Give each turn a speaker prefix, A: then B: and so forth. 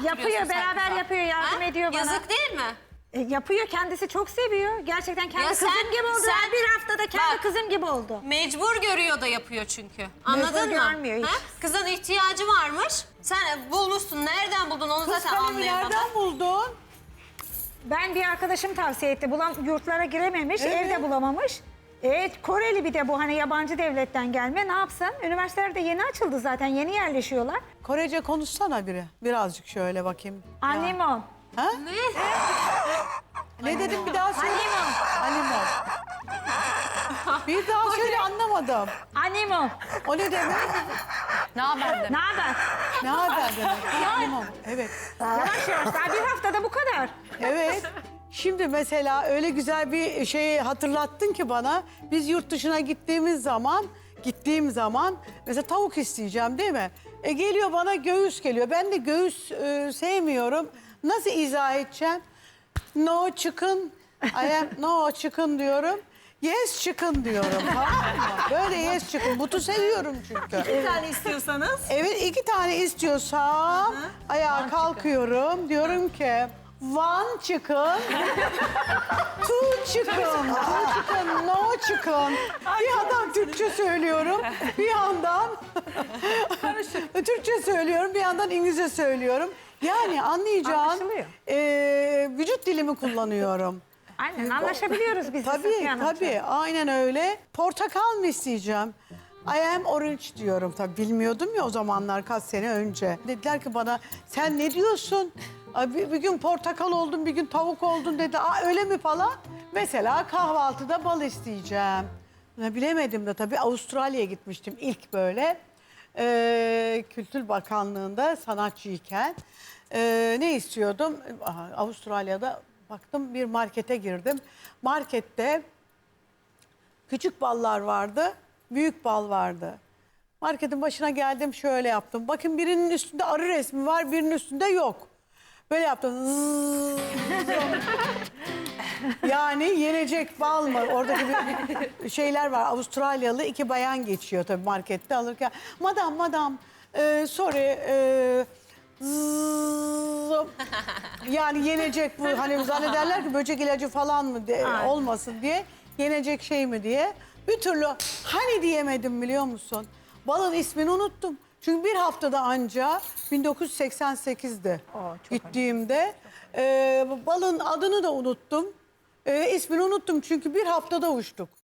A: Yapıyor, beraber yapıyor, yardım ediyor bana.
B: Yazık değil mi?
A: Yapıyor, kendisi çok seviyor. Gerçekten kendi
B: Ya
A: kızım gibi oldu.
B: sen-
A: Bir haftada kendi
B: Bak.
A: kızım gibi oldu.
B: Mecbur görüyor da yapıyor çünkü. Anladın mı?
A: görmüyor hiç.
B: Ha? Kızın ihtiyacı varmış. Sen bulmuşsun. Nereden buldun onu
C: Kız
B: zaten
C: kalemi
B: anlayamadım.
C: nereden buldun?
A: Ben bir arkadaşım tavsiye etti. Yurtlara girememiş, evde bulamamış. Koreli bir de bu, hani yabancı devletten gelme. Ne yapsın? Üniversiteler de yeni açıldı zaten, yeni yerleşiyorlar.
C: Korece konuşsana biri. Birazcık şöyle bakayım. Ya.
A: Animon.
C: Ha? Ne dedim bir daha söyle. Animon. Bir daha söyle, anlamadım.
A: Animon.
C: O ne demek?
D: Ne haber demek?
A: Ne haber?
C: Ne haber demek? Animon. Evet.
A: Yavaş yavaş, daha bir haftada bu kadar.
C: Evet. Şimdi mesela öyle güzel bir şeyi hatırlattın ki bana. Biz yurt dışına gittiğim zaman mesela tavuk isteyeceğim değil mi? Geliyor bana göğüs geliyor. Ben de göğüs sevmiyorum. Nasıl izah edeceğim? No chicken. No chicken diyorum. Yes chicken diyorum. Tamam mı? Böyle yes chicken. Butu seviyorum çünkü.
E: Bir tane istiyorsanız.
C: Evet, 2 tane istiyorsam ayağa kalkıyorum. Diyorum ki one chicken, two chicken, no chicken. Bir yandan Türkçe söylüyorum, bir yandan Türkçe söylüyorum, bir yandan İngilizce söylüyorum. Yani anlayacağın
A: Anlaşılıyor.
C: vücut dilimi kullanıyorum.
A: Aynen, anlaşabiliyoruz biz.
C: Tabii, aynen öyle. Portakal mı isteyeceğim? I am orange diyorum tabii. Bilmiyordum ya o zamanlar, kaç sene önce. Dediler ki bana, sen ne diyorsun? Bir gün portakal oldun, bir gün tavuk oldun dedi. Öyle mi falan? Mesela kahvaltıda bal isteyeceğim. Bilemedim de tabii, Avustralya'ya gitmiştim ilk böyle. Kültür Bakanlığı'nda sanatçıyken. Ne istiyordum? Avustralya'da baktım, bir markete girdim. Markette küçük ballar vardı, büyük bal vardı. Marketin başına geldim, şöyle yaptım. Bakın, birinin üstünde arı resmi var, birinin üstünde yok. Böyle yaptım. Zzzz. Yani yenecek bal mı? Oradaki bir şeyler var. Avustralyalı 2 bayan geçiyor tabii markette alırken. Madam, sorry, zzzz. Yani yenecek bu. Hani zannederler ki böcek ilacı falan mı olmasın diye. Yenecek şey mi diye. Bir türlü hani diyemedim, biliyor musun? Balın ismini unuttum. Çünkü bir haftada anca 1988'de gittiğimde balın adını da unuttum. İsmini unuttum çünkü bir haftada uçtuk.